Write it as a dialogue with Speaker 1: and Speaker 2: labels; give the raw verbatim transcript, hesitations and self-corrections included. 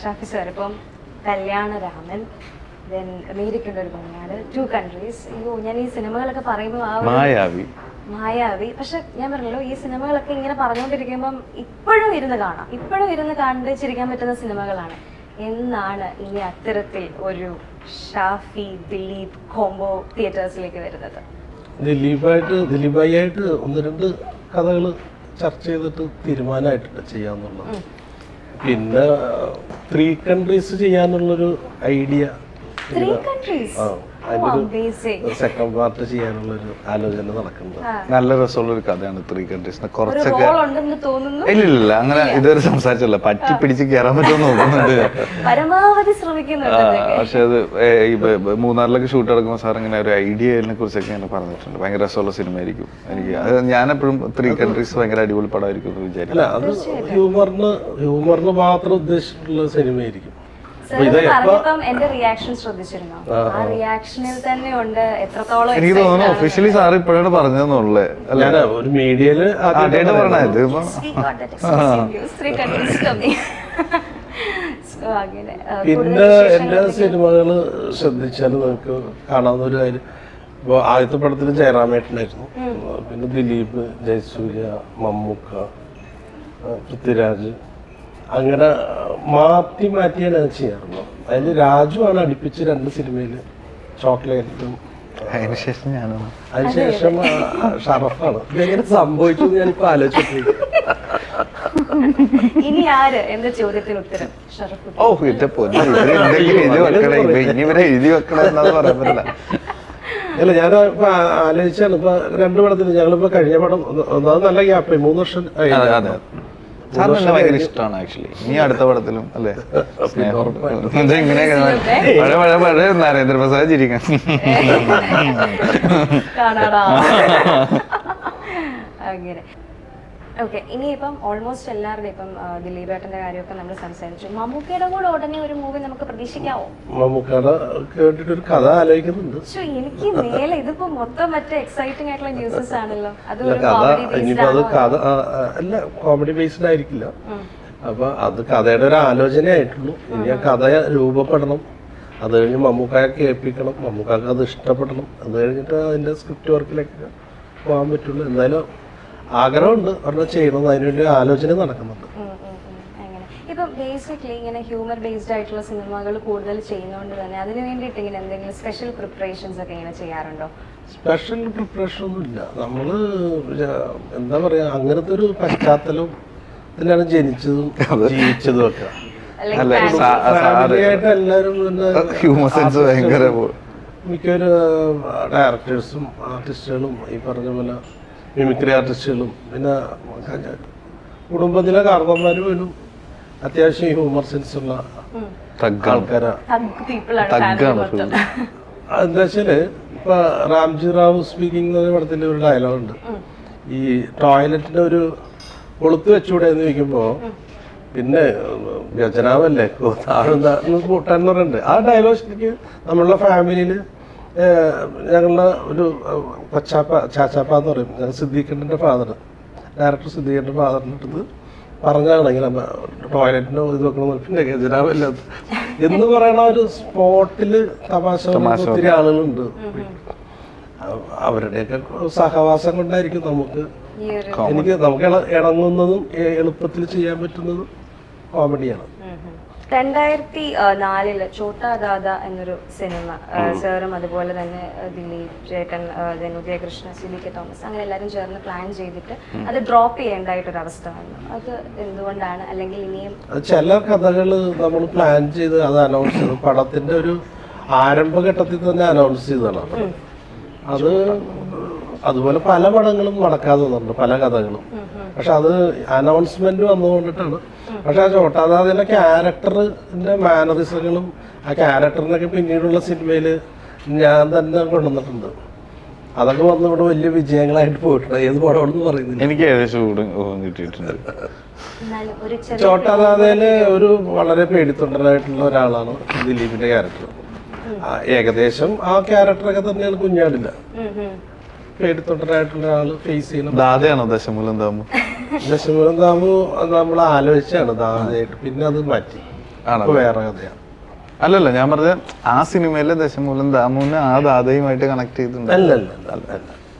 Speaker 1: Shafi sir ഇപ്പം Kalyanaraman, then അമേരിക്കയുടെ ഒരു പങ്കാള്, ടു കൺട്രീസ്. അയ്യോ ഞാൻ ഈ സിനിമകളൊക്കെ പറയുമ്പോൾ ആ
Speaker 2: മായാവി
Speaker 1: മായാവി പക്ഷെ ഞാൻ പറഞ്ഞല്ലോ ഈ സിനിമകളൊക്കെ ഇങ്ങനെ പറഞ്ഞുകൊണ്ടിരിക്കുമ്പം ഇപ്പോഴും ഇരുന്ന് കാണാം, ഇപ്പോഴും ഇരുന്ന് കണ്ട് ചിരിക്കാൻ പറ്റുന്ന സിനിമകളാണ്. എന്നാണ് ഇനി അത്തരത്തിൽ ഒരു ഷാഫി ദിലീപ് കോംബോ തിയേറ്റേഴ്സിലേക്ക് വരുന്നത്?
Speaker 3: ദിലീപായിട്ട് ദിലീപായിട്ട് ഒന്ന് രണ്ട് കഥകൾ ചർച്ച ചെയ്തിട്ട് തീരുമാനമായിട്ടുണ്ട് ചെയ്യാന്നുള്ളത്. പിന്നെ ത്രീ കൺട്രീസ് ചെയ്യാനുള്ളൊരു ഐഡിയ, അതിനൊരു സെക്കൻഡ് പാർട്ട് ചെയ്യാനുള്ളൊരു ആലോചന നടക്കുന്നുണ്ട്.
Speaker 2: നല്ല രസമുള്ള ഒരു കഥയാണ് ത്രീ കൺട്രീസ്. കുറച്ചൊക്കെ ഇല്ലില്ല അങ്ങനെ ഇതുവരെ സംസാരിച്ചല്ല, പറ്റി പിടിച്ച് കയറാൻ പറ്റുമെന്ന് നോക്കുന്നുണ്ട്
Speaker 1: പരമാവധി ശ്രമിക്കുന്നുണ്ട്.
Speaker 2: പക്ഷെ അത് ഈ മൂന്നാറിലൊക്കെ ഷൂട്ട് നടക്കുമ്പോൾ സാർ ഇങ്ങനെ ഒരു ഐഡിയനെ കുറിച്ചൊക്കെ ഇങ്ങനെ പറഞ്ഞിട്ടുണ്ട്. ഭയങ്കര രസമുള്ള സിനിമ ആയിരിക്കും എനിക്ക്. അത് ഞാനെപ്പോഴും ത്രീ കൺട്രീസ് ഭയങ്കര അടിപൊളി പടമായിരിക്കും എന്ന് വിചാരിക്കും.
Speaker 3: അത് ഹ്യൂമറിന് ഹ്യൂമറിന് മാത്രം ഉദ്ദേശിച്ചിട്ടുള്ള സിനിമയായിരിക്കും.
Speaker 1: എന്റെ റിയാക്ഷൻ ശ്രദ്ധിച്ചിരുന്നോ? ആ റിയാക്ഷനിൽ തന്നെ ഉണ്ട് എത്രത്തോളം.
Speaker 2: എനിക്ക് തോന്നുന്നു ഒഫീഷ്യലി സാർ ഇപ്പോഴാണ് പറഞ്ഞതെന്നുള്ളേ.
Speaker 3: ഒരു മീഡിയയില്
Speaker 2: ആദ്യമായിട്ട് പറഞ്ഞത്.
Speaker 3: പിന്നെ എല്ലാ സിനിമകള് ശ്രദ്ധിച്ചാൽ നമുക്ക് കാണാവുന്ന ഒരു കാര്യം, ഇപ്പൊ ആദ്യത്തെ പടത്തിൽ ജയറാമേട്ടനായിരുന്നു, പിന്നെ ദിലീപ്, ജയസൂര്യ, മമ്മൂക്ക, പൃഥ്വിരാജ്, അങ്ങനെ മാറ്റി മാറ്റിയാണ് അത് ചെയ്യാറുള്ളത്. അതിൽ രാജു ആണ് അടുപ്പിച്ച് രണ്ട് സിനിമയിൽ ചോക്ലേറ്റും,
Speaker 2: അതിനുശേഷം ഞാനാണ്,
Speaker 3: അതിനുശേഷം ഷറഫാണ്. ഇതെങ്ങനെ സംഭവിച്ചു ഞാനിപ്പോ ആലോചിച്ചിട്ടില്ല.
Speaker 1: ഇനി ആര് എന്ന ചോദ്യത്തിന് ഉത്തരം ഷറഫ്.
Speaker 2: ഓ എന്റെ പൊന്നെ, എഴുതി വെക്കണേ ഇനി ഇവരെ എഴുതി വെക്കണേ എന്നാന്ന് പറയാൻ പറ്റില്ല.
Speaker 3: അല്ല ഞാൻ ഇപ്പൊ ആലോചിച്ചാണ്, ഇപ്പൊ രണ്ടു പടത്തിൽ ഞങ്ങളിപ്പോ കഴിഞ്ഞ പടം ഒന്നാമത് നല്ല ഗ്യാപ്പ്, മൂന്ന് വർഷം
Speaker 2: സാറിന് ഭയങ്കര ഇഷ്ടമാണ് ആക്ച്വലി. നീ അടുത്ത പടത്തിലും അല്ലേ ഇങ്ങനെ പഴയ പഴയ പഴയ നരേന്ദ്രപ്രസാദ് ചിരിക്കാൻ
Speaker 1: അങ്ങനെ. ഓക്കെ, ഇനിയിപ്പം ഓൾമോസ്റ്റ് എല്ലാവരുടെയും ഇപ്പം ദിലീപേട്ടന്റെ കാര്യമൊക്കെ നമ്മൾ സംസാരിച്ചു. മമ്മൂക്കയുടെ കൂടെ ഉടനെ ഒരു മൂവി നമുക്ക് പ്രതീക്ഷിക്കാവോ?
Speaker 3: മമ്മൂക്കയുടെ കേട്ടിട്ട് ഒരു കഥ ആലോചിക്കുന്നുണ്ട്.
Speaker 1: പക്ഷെ എനിക്ക് മേലെ ഇതിപ്പോ മൊത്തം മറ്റേ എക്സൈറ്റിംഗ് ആയിട്ടുള്ള ന്യൂസസ് ആണല്ലോ. അത്
Speaker 3: ഇനിയിപ്പോ അത് കഥ അല്ല, കോമഡി ബേസ്ഡ് ആയിരിക്കില്ല. അപ്പൊ അത് കഥയുടെ ഒരു ആലോചനയായിട്ടുള്ളൂ. ഇനി ആ കഥ രൂപപ്പെടണം, അത് കഴിഞ്ഞ് മമ്മൂക്കായെ കേൾപ്പിക്കണം, മമ്മൂക്കാക്ക് അത് ഇഷ്ടപ്പെടണം, അത് കഴിഞ്ഞിട്ട് അതിന്റെ സ്ക്രിപ്റ്റ് വർക്കിലേക്ക് പോകാൻ പറ്റുള്ളൂ. എന്തായാലും ആഗ്രഹമുണ്ട് ഒരെണ്ണം ചെയ്യണം, അതിനുവേണ്ടി ആലോചന നടക്കുന്നുണ്ട്.
Speaker 1: ഇപ്പം ബേസിക്കലി ഇങ്ങനെ ഹ്യൂമർ ബേസ്ഡ് ആയിട്ടുള്ള സിനിമകൾ കൂടുതൽ ചെയ്യുന്നതുകൊണ്ട് തന്നെ അതിന് വേണ്ടിയിട്ട് ഇങ്ങനെ എന്തെങ്കിലും സ്പെഷ്യൽ പ്രിപ്പറേഷൻസ് ഒക്കെ ഇങ്ങനെ ചെയ്യാറുണ്ടോ?
Speaker 3: സ്പെഷ്യൽ പ്രിപ്പറേഷൻ ഒന്നും ഇല്ല. നമ്മള് എന്താ പറയാ, അങ്ങനത്തെ ഒരു പശ്ചാത്തലത്തിലാണ് ജനിച്ചതും ജീവിച്ചതും ഒക്കെ. ഫാമിലിയായിട്ട് എല്ലാവരും മിക്കൊരു ഡയറക്ടേഴ്സും ആർട്ടിസ്റ്റുകളും ഈ പറഞ്ഞ പോലെ മിമിക്രി ആർട്ടിസ്റ്റുകളും പിന്നെ കുടുംബത്തിലെ കാരണന്മാരും പോലും അത്യാവശ്യം ഹ്യൂമർ സെൻസ് ഉള്ള ആൾക്കാരാണ്. എന്താ വെച്ചാല് ഇപ്പൊ രാംജി റാവു സ്പീക്കിംഗ് എന്ന പടത്തിൽ ഒരു ഡയലോഗുണ്ട്, ഈ ടോയ്ലറ്റിന്റെ ഒരു കൊളുത്ത് വെച്ചുകൂടെ എന്ന് ചോദിക്കുമ്പോ പിന്നെ വ്യജനാവല്ലേ താഴ്ന്ന് കൂട്ടാന്ന് പറയുന്നുണ്ട്. ആ ഡയലോഗ് ശരിക്കും നമ്മളുടെ ഫാമിലിയില് ഞങ്ങളുടെ ഒരു കൊച്ചാപ്പ ചാച്ചാപ്പ എന്ന് പറയും, സിദ്ദീഖിന്റെ ഫാദർ, ഡയറക്ടർ സിദ്ദീഖിന്റെ ഫാദറിൻ്റെ അടുത്ത് പറഞ്ഞാണ് ഇങ്ങനെ ടോയ്ലറ്റിന് ഇത് വെക്കണം, പിന്നെ ഗജനാവല്ല എന്ന് പറയണ ഒരു സ്പോട്ടില് തമാശ ഒത്തിരി ആളുകളുണ്ട്. അവരുടെയൊക്കെ സഹവാസം കൊണ്ടായിരിക്കും നമുക്ക് എനിക്ക് നമുക്ക് ഇണങ്ങുന്നതും എളുപ്പത്തിൽ ചെയ്യാൻ പറ്റുന്നതും കോമഡിയാണ്.
Speaker 1: രണ്ടായിരത്തി നാലില് ചോട്ടാ ദാദ എന്നൊരു സിനിമ സാറും അതുപോലെ തന്നെ ദിലീപ് ചേട്ടൻ, ഉദയകൃഷ്ണ, സി കെ തോമസ് അങ്ങനെ എല്ലാവരും ചേർന്ന് പ്ലാൻ ചെയ്തിട്ട് അത് ഡ്രോപ്പ് ചെയ്യേണ്ടായിട്ടൊരവസ്ഥ വന്നു. അത് എന്തുകൊണ്ടാണ്? അല്ലെങ്കിൽ ഇനിയും
Speaker 3: ചില കഥകൾ നമ്മൾ പ്ലാൻ ചെയ്ത് അത് അനൗൺസ് ചെയ്തു, പടത്തിന്റെ ഒരു ആരംഭഘട്ടത്തിൽ തന്നെ അനൗൺസ് ചെയ്തതാണ്. അത് അതുപോലെ പല പടങ്ങളും നടക്കാതെ വന്നിട്ടുണ്ട്, പല കഥകളും. പക്ഷെ അത് അനൗൺസ്മെന്റ് വന്നുകൊണ്ടിട്ടാണ്. പക്ഷെ ആ ചോട്ടാദാദിന്റെ ക്യാരക്ടറിന്റെ മാനറിസങ്ങളും ആ ക്യാരക്ടറിനൊക്കെ പിന്നീടുള്ള സിനിമയില് ഞാൻ തന്നെ കൊണ്ടുവന്നിട്ടുണ്ട്. അതൊക്കെ വന്ന് ഇവിടെ വലിയ വിജയങ്ങളായിട്ട് പോയിട്ടുണ്ട്. ഏത് പടമാണെന്ന് പറയുന്നില്ല,
Speaker 2: എനിക്ക് കിട്ടിയിട്ടുണ്ട്.
Speaker 3: ചോട്ടാദാദയില് ഒരു വളരെ പേടിത്തൊണ്ടനായിട്ടുള്ള ഒരാളാണ് ദിലീപിന്റെ ക്യാരക്ടർ. ഏകദേശം ആ ക്യാരക്ടറൊക്കെ തന്നെയാണ് കുഞ്ഞാടില്ല. പേടിത്തൊണ്ടനായിട്ടുള്ള ആള് ഫേസ് ചെയ്യുന്ന
Speaker 2: ദാദയാണോ ദശമൂലം താമു?
Speaker 3: ദശമൂലം താമു നമ്മൾ ആലോചിച്ചാണ് ദാദയായിട്ട്, പിന്നെ അത് മാറ്റി. ഇപ്പൊ വേറെ കഥയാണ്.
Speaker 2: അല്ലല്ല, ഞാൻ പറഞ്ഞ ആ സിനിമയിലെ ദശമൂലം ദാമുവിന് ആ ദാതയുമായിട്ട് കണക്ട് ചെയ്തിട്ടുണ്ട്.
Speaker 3: അല്ല അല്ല അല്ല അല്ല